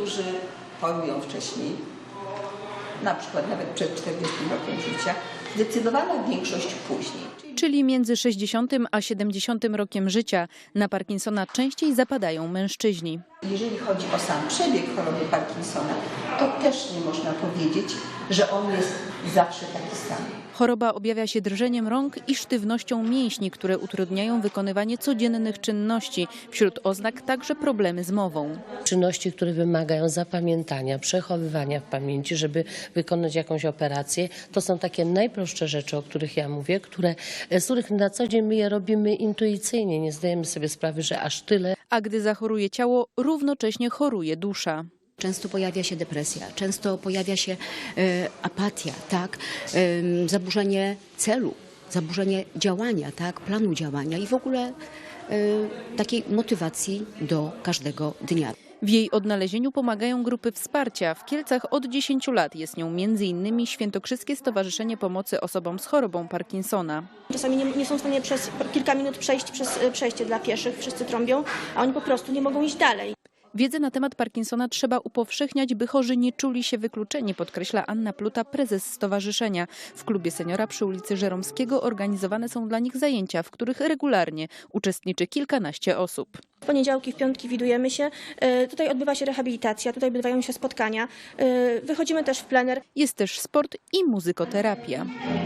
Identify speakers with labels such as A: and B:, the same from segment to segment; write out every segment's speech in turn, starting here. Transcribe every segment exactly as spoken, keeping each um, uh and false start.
A: Niektórzy chorują wcześniej, na przykład nawet przed czterdziestym rokiem życia, zdecydowana większość później.
B: Czyli między sześćdziesiątym a siedemdziesiątym rokiem życia na Parkinsona częściej zapadają mężczyźni.
A: Jeżeli chodzi o sam przebieg choroby Parkinsona, to też nie można powiedzieć, że on jest zawsze taki sam.
B: Choroba objawia się drżeniem rąk i sztywnością mięśni, które utrudniają wykonywanie codziennych czynności. Wśród oznak także problemy z mową.
C: Czynności, które wymagają zapamiętania, przechowywania w pamięci, żeby wykonać jakąś operację, to są takie najprostsze rzeczy, o których ja mówię, które, z których na co dzień my je robimy intuicyjnie. Nie zdajemy sobie sprawy, że aż tyle.
B: A gdy zachoruje ciało, równocześnie choruje dusza.
D: Często pojawia się depresja, często pojawia się e, apatia, tak? E, zaburzenie celu, zaburzenie działania, tak? Planu działania i w ogóle e, takiej motywacji do każdego dnia.
B: W jej odnalezieniu pomagają grupy wsparcia. W Kielcach od dziesięciu lat jest nią między innymi Świętokrzyskie Stowarzyszenie Pomocy Osobom z chorobą Parkinsona.
E: Czasami nie, nie są w stanie przez kilka minut przejść przez przejście dla pieszych, wszyscy trąbią, a oni po prostu nie mogą iść dalej.
B: Wiedzę na temat Parkinsona trzeba upowszechniać, by chorzy nie czuli się wykluczeni, podkreśla Anna Pluta, prezes stowarzyszenia. W klubie seniora przy ulicy Żeromskiego organizowane są dla nich zajęcia, w których regularnie uczestniczy kilkanaście osób.
E: W poniedziałki, w piątki widujemy się, tutaj odbywa się rehabilitacja, tutaj odbywają się spotkania, wychodzimy też w plener.
B: Jest też sport i muzykoterapia.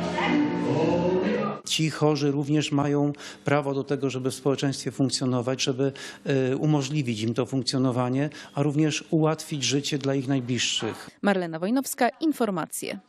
F: Ci chorzy również mają prawo do tego, żeby w społeczeństwie funkcjonować, żeby umożliwić im to funkcjonowanie, a również ułatwić życie dla ich najbliższych.
B: Marlena Wojnowska, informacje.